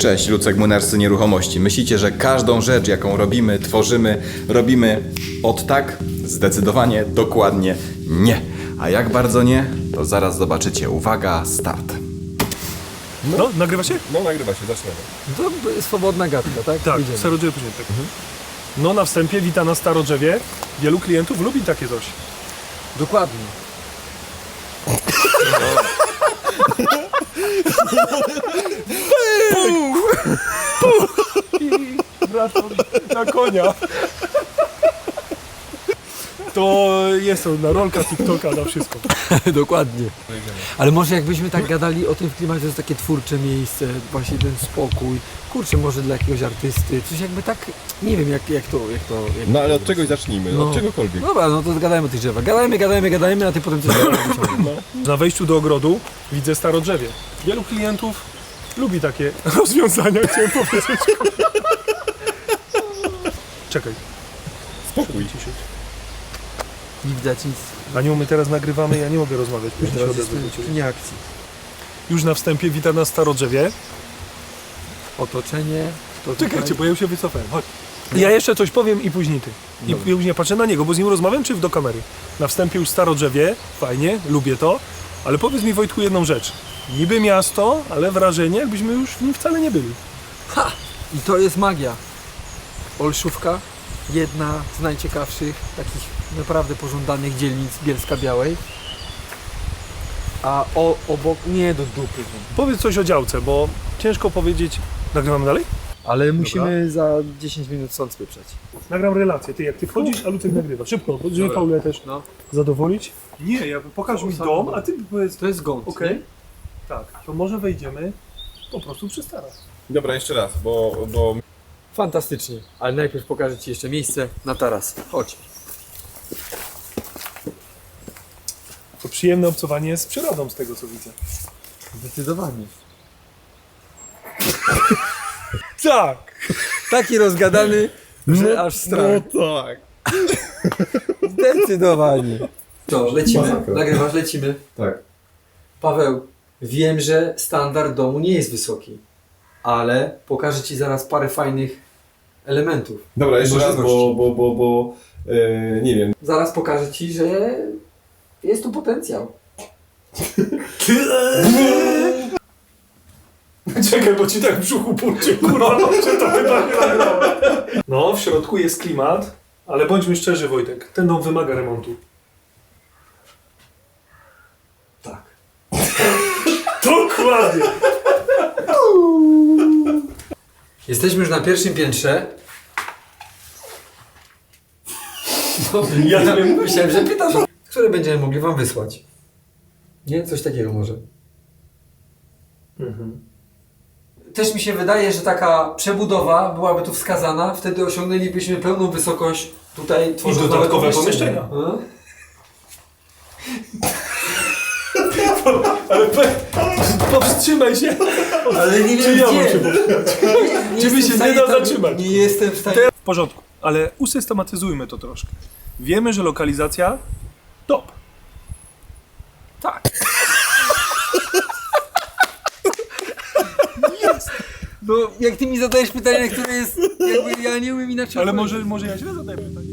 Cześć, Lucek Młynarscy Nieruchomości. Myślicie, że każdą rzecz, jaką robimy, tworzymy, robimy od tak? Zdecydowanie, dokładnie nie. A jak bardzo nie, to zaraz zobaczycie. Uwaga, start. No, nagrywa się? No nagrywa się, zaczynamy. To swobodna gadka, tak? Tak, Idziemy. starodrzewie później tak. No na wstępie wita na starodrzewie. Wielu klientów lubi takie coś. Dokładnie. Wracam na konia. To jest to na rolka, TikToka, na wszystko. Dokładnie. Ale może jakbyśmy tak gadali o tym w klimacie, to jest takie twórcze miejsce, właśnie ten spokój. Kurczę, może dla jakiegoś artysty, coś jakby tak, nie wiem jak to. No ale od czegoś zacznijmy, No. od czegokolwiek. Dobra, no to gadajmy o tych drzewach. Gadajmy, a ty potem coś wyciągniesz. Na wejściu do ogrodu widzę starodrzewie. Wielu klientów lubi takie rozwiązania, chciałem powiedzieć. Czekaj. Spokój. Ciszyć. Nie widać nic. Aniu, my teraz nagrywamy, ja nie mogę rozmawiać. Później się Teraz odezwę do jest ciebie. nie akcji. Już na wstępie wita nas starodrzewie. Otoczenie. To Czekajcie, tutaj. bo ja już się wycofałem. Chodź. Ja jeszcze coś powiem i później ty. I Dobra. później patrzę na niego, bo z nim rozmawiam czy do kamery? Na wstępie już starodrzewie, fajnie, lubię to. Ale powiedz mi, Wojtku, jedną rzecz. Niby miasto, ale wrażenie, jakbyśmy już w nim wcale nie byli. Ha! I to jest magia. Olszówka, jedna z najciekawszych, takich naprawdę pożądanych dzielnic Bielska-Białej. A obok, nie do dupy. Powiedz coś o działce, bo ciężko powiedzieć. Nagrywamy dalej? Ale musimy za 10 minut stąd spieprzać. Nagram relację. Ty jak ty wchodzisz, a Lucek nagrywa. Szybko, żeby Dobra. Paulę też No. zadowolić. Nie, ja pokaż mi dom, a ty powiedz. To jest gąd, Okej. nie? Tak, to może wejdziemy po prostu przy starach. Dobra, jeszcze raz, bo Fantastycznie. Ale najpierw pokażę Ci jeszcze miejsce na taras. Chodź. To przyjemne obcowanie z przyrodą, z tego co widzę. Zdecydowanie. Tak! Taki rozgadany, że aż strach. tak. Zdecydowanie. To, lecimy. Masakra. Nagrywasz, lecimy. Tak. Paweł, wiem, że standard domu nie jest wysoki, ale pokażę Ci zaraz parę fajnych elementów. Dobra, jeszcze raz, Możliwości. bo nie wiem. Zaraz pokażę Ci, że jest tu potencjał. Czekaj, bo ci tak w brzuchu purcie, kurwa, że to chyba nie nagrałem. No, w środku jest klimat, ale bądźmy szczerzy, Wojtek, ten dom wymaga remontu. Tak. Dokładnie! Jesteśmy już na pierwszym piętrze. Ja wiem. Myślałem, że pytasz, które będziemy mogli Wam wysłać. Nie? Coś takiego może. Też mi się wydaje, że taka przebudowa byłaby tu wskazana, wtedy osiągnęlibyśmy pełną wysokość tutaj tworząc dodatkowe nowe pomieszczenia. A? Ale powstrzymaj się! Ale nie Czy wiem ja mam gdzie. się powstrzymać? Nie Czy mi jestem się w stanie nie da tam- zatrzymać? Nie jestem w stanie. W porządku, ale usystematyzujmy to troszkę. Wiemy, że lokalizacja top. Tak. No jak Ty mi zadajesz pytanie, które jest jakby ja nie umiem inaczej Ale odpowiedzieć. może ja źle zadaję pytanie.